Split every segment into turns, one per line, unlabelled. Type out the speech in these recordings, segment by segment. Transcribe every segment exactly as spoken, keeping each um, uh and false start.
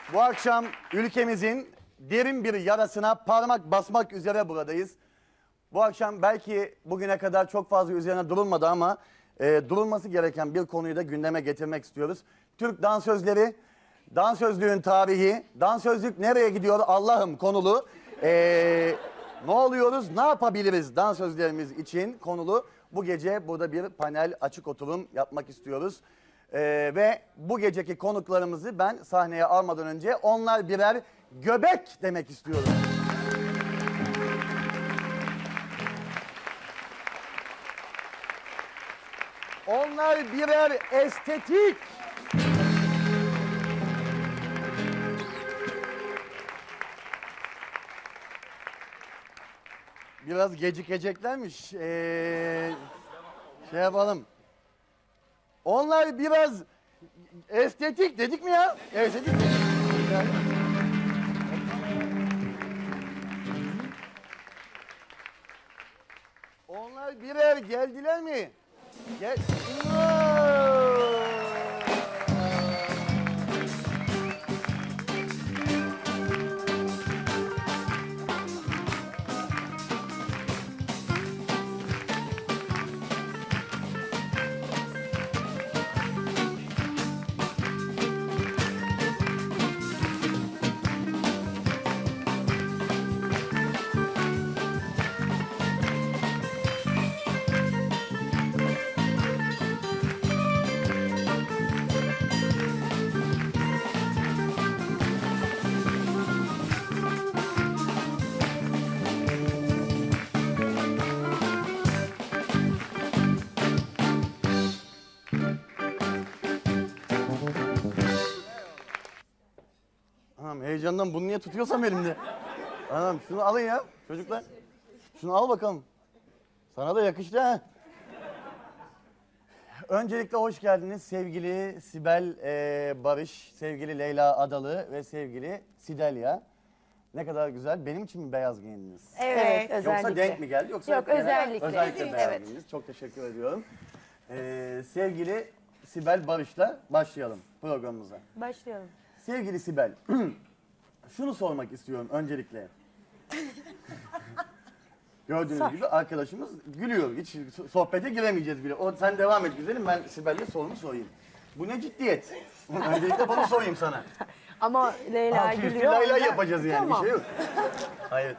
Bu akşam ülkemizin derin bir yarasına parmak basmak üzere buradayız. Bu akşam belki bugüne kadar çok fazla üzerine durulmadı ama e, durulması gereken bir konuyu da gündeme getirmek istiyoruz. Türk dansözleri, dansözlüğün tarihi, dansözlük nereye gidiyor Allah'ım konulu. E, ne oluyoruz, ne yapabiliriz dansözlerimiz için konulu. Bu gece burada bir panel, açık oturum yapmak istiyoruz. Ee, ve bu geceki konuklarımızı ben sahneye almadan önce onlar birer göbek demek istiyorum. Onlar birer estetik. Biraz gecikeceklermiş. Ee, şey yapalım. Onlar biraz estetik dedik mi ya? Estetik dedik. Yani. Onlar birer geldiler mi? Gel. Anam heyecandan bunu niye tutuyorsam elimde. Anam şunu alın ya çocuklar. Şunu al bakalım. Sana da yakıştı ha. Öncelikle hoş geldiniz sevgili Sibel e, Barış, sevgili Leyla Adalı ve sevgili Sidelya. Ne kadar güzel. Benim için mi beyaz giyindiniz?
Evet, özellikle.
Yoksa denk mi geldi? Yoksa
Yok,
genel-
özellikle.
Özellikle beyaz
Evet.
giyindiniz. Çok teşekkür ediyorum. Ee, sevgili Sibel Barış'la başlayalım programımıza.
Başlayalım.
Sevgili Sibel, şunu sormak istiyorum öncelikle. Gördüğünüz
Sor.
gibi arkadaşımız gülüyor. Hiç sohbete giremeyeceğiz bile. O, sen devam et güzelim, ben Sibel'le sorumu sorayım. Bu ne ciddiyet? Öncelikle bunu sorayım sana.
Ama Leyla
Altı üstü
gülüyor.
lay lay
ondan-
yapacağız yani,
Tamam.
bir şey yok. Hayır.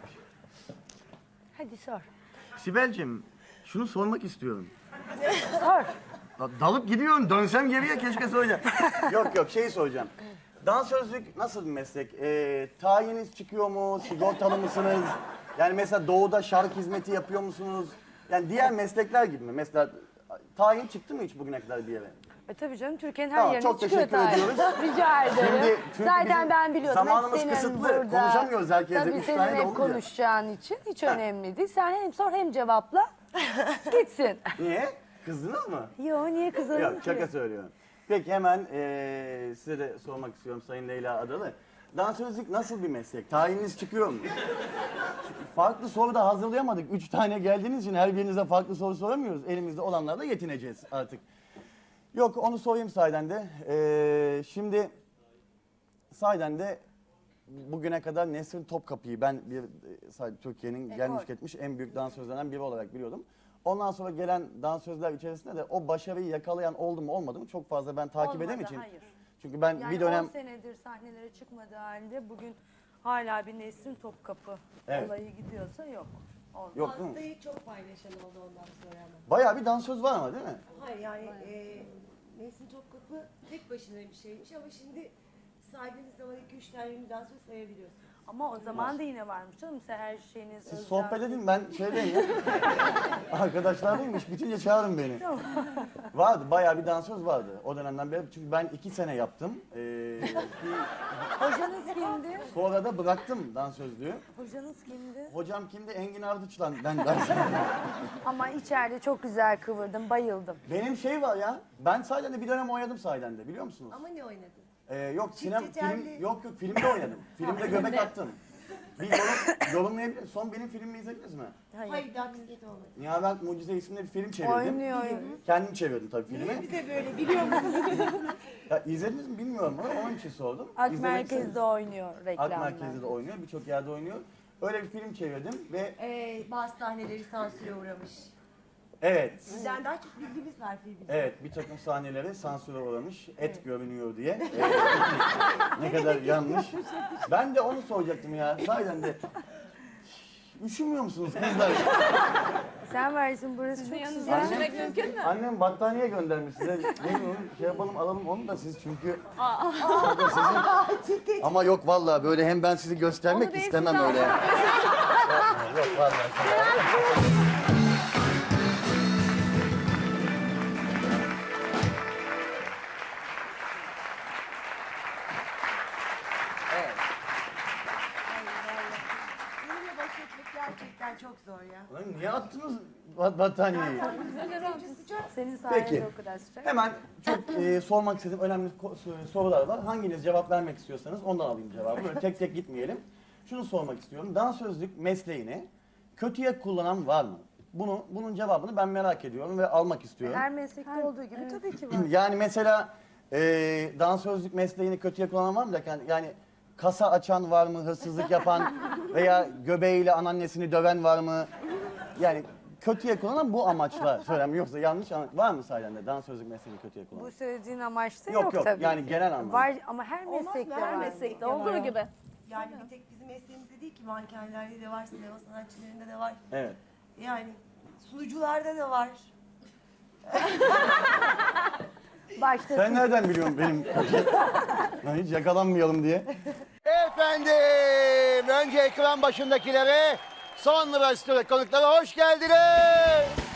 Hadi sor.
Sibel'cim, şunu sormak istiyorum.
Sor.
Da- Dalıp gidiyorum, dönsem geriye keşke soracağım. yok yok, şeyi soracağım. Dansözlük nasıl bir meslek? Ee, tayiniz çıkıyor mu? Sigortalı mısınız? Yani mesela doğuda şark hizmeti yapıyor musunuz? Yani diğer meslekler gibi mi? Mesela tayin çıktı mı hiç bugüne kadar bir yere?
E tabii canım Türkiye'nin her
Tamam,
yerine
çok
çıkıyor
teşekkür
tarih.
ediyoruz.
Rica ederim.
Şimdi çünkü
Zaten
bizim
ben biliyordum. Hep
zamanımız
senin
kısıtlı.
burada.
Konuşamıyoruz herkesle.
Tabii
Üç
senin
tane de
hep
olunca.
konuşacağın için hiç önemli değil. Sen hem sor hem cevapla. Gitsin.
Niye? Kızdınız mı?
Yo niye kızarım
Yok, şaka söylüyorum. Peki hemen eee, size de sormak istiyorum Sayın Leyla Adalı. Dansözlük nasıl bir meslek? Tayininiz çıkıyor mu? Farklı soru da hazırlayamadık. Üç tane geldiğiniz için her birinize farklı soru soramıyoruz. Elimizde olanlarla yetineceğiz artık. Yok, onu sorayım sahiden de. Eee, şimdi sahiden de bugüne kadar Nesrin Topkapı'yı ben bir e, Türkiye'nin gelmiş geçmiş en büyük dansözlerden biri olarak biliyordum. Ondan sonra gelen dansözler içerisinde de o başarıyı yakalayan oldu mu olmadı mı çok fazla ben takip
Olmadı,
edemem için.
hayır.
Çünkü ben
Yani
bir dönem
on senedir sahnelere çıkmadığı halde bugün hala bir Nesrin Topkapı
Evet.
olayı gidiyorsa yok. Olmaz.
yok değil mi?
Hastayı çok paylaşan oldu ondan sonra ama.
Bayağı bir dansöz var ama değil mi?
Hayır yani e, Nesin Topkapı tek başına bir şeymiş ama şimdi saydığınız zaman iki üç tane ünlü dansöz sayabiliyorsunuz.
Ama o zaman da yine varmış canım. Sen her şeyiniz
Siz
Özcan-
sohbet edin, ben şeydeyim ya. Arkadaşlar değilmiş, bitince çağırın beni. Vardı, bayağı bir dansöz vardı o dönemden beri. Çünkü ben iki sene yaptım. Ee, bir-
Hocanız kimdi?
sonra da bıraktım dansözlüğü.
Hocanız kimdi?
Hocam kimdi? Engin Ardıç'la ben dans.
Ama içeride çok güzel kıvırdım, bayıldım.
Benim şey var ya, ben sahiden de bir dönem oynadım sahiden de biliyor musunuz?
Ama ne oynadın?
Ee, yok sinem,
tetelli.
film, yok yok filmde oynadım. Filmde göbek attım. Bir yorum, yorumlayabilir. Son benim filmimi izlediniz mi?
Hayır, daha bisiklet olmadı.
Nihavent Mucize isimli bir film çevirdim.
Oynuyor.
Kendim çevirdim tabii
Niye
filmi.
bize böyle biliyor musun?
Ya, izlediniz mi bilmiyorum ama onun için sordum.
Ak
İzlemediyseniz-
Merkez'de oynuyor
Ak
reklamda.
Merkez'de de oynuyor, birçok yerde oynuyor. Öyle bir film çevirdim ve
Ee, bazı sahneleri sansüre uğramış.
evet,
Bizden daha çok bilgimiz var filmimizde.
evet bir takım sahneleri sansüre uğramış, et görünüyor diye. Ee, ne kadar yanlış. Ben de onu soracaktım ya, sahiden de. Üşümüyor musunuz kızlar?
Sen versin burası çok
yanınıza
güzel.
üşümek mümkün mü?
Annem battaniye göndermiş size. Ne bileyim, şey yapalım alalım onu da siz çünkü. O da sizin. Ama yok vallahi böyle hem ben sizi göstermek
Onu değil,
istemem
siz
öyle. Yapma, yok vallahi. Evet.
Benimle baş etmek gerçekten çok zor ya.
Lan niye attınız bat- battaniyeyi?
Önce sıcak.
Senin sayende
Peki.
o kadar sıcak.
Hemen çok e, sormak istediğim önemli ko- sorular var. Hanginiz cevap vermek istiyorsanız ondan alayım cevabı. Böyle tek tek gitmeyelim. Şunu sormak istiyorum. Dansözlük mesleğini kötüye kullanan var mı? Bunu bunun cevabını ben merak ediyorum ve almak istiyorum.
Her meslekte olduğu gibi tabii ki var.
Yani mesela e, dansözlük mesleğini kötüye kullanan var mı derken yani kasa açan var mı, hırsızlık yapan veya göbeğiyle anneannesini döven var mı? Yani kötüye kullanan bu amaçla söylem yoksa yanlış anla- var mı sahiden de dansözlük mesleğini kötüye kullanan?
Bu söylediğin amaçta
Yok,
yok,
yok.
tabii
Yani
ki.
genel anlamda.
Var ama her
Olmaz mı?
meslekte
Her
var.
meslekte
Olduğu gibi.
Yani bir tek bizim mesleğimizde değil ki, mankenlerde de var, sinema sanatçılarında da var.
Evet.
Yani sunucularda da var.
Başta
Sen nereden biliyorsun benim ben hiç yakalanmayalım diye? Efendim, önce ekran başındakilere, sonra stüdyo konuklara hoş geldiniz.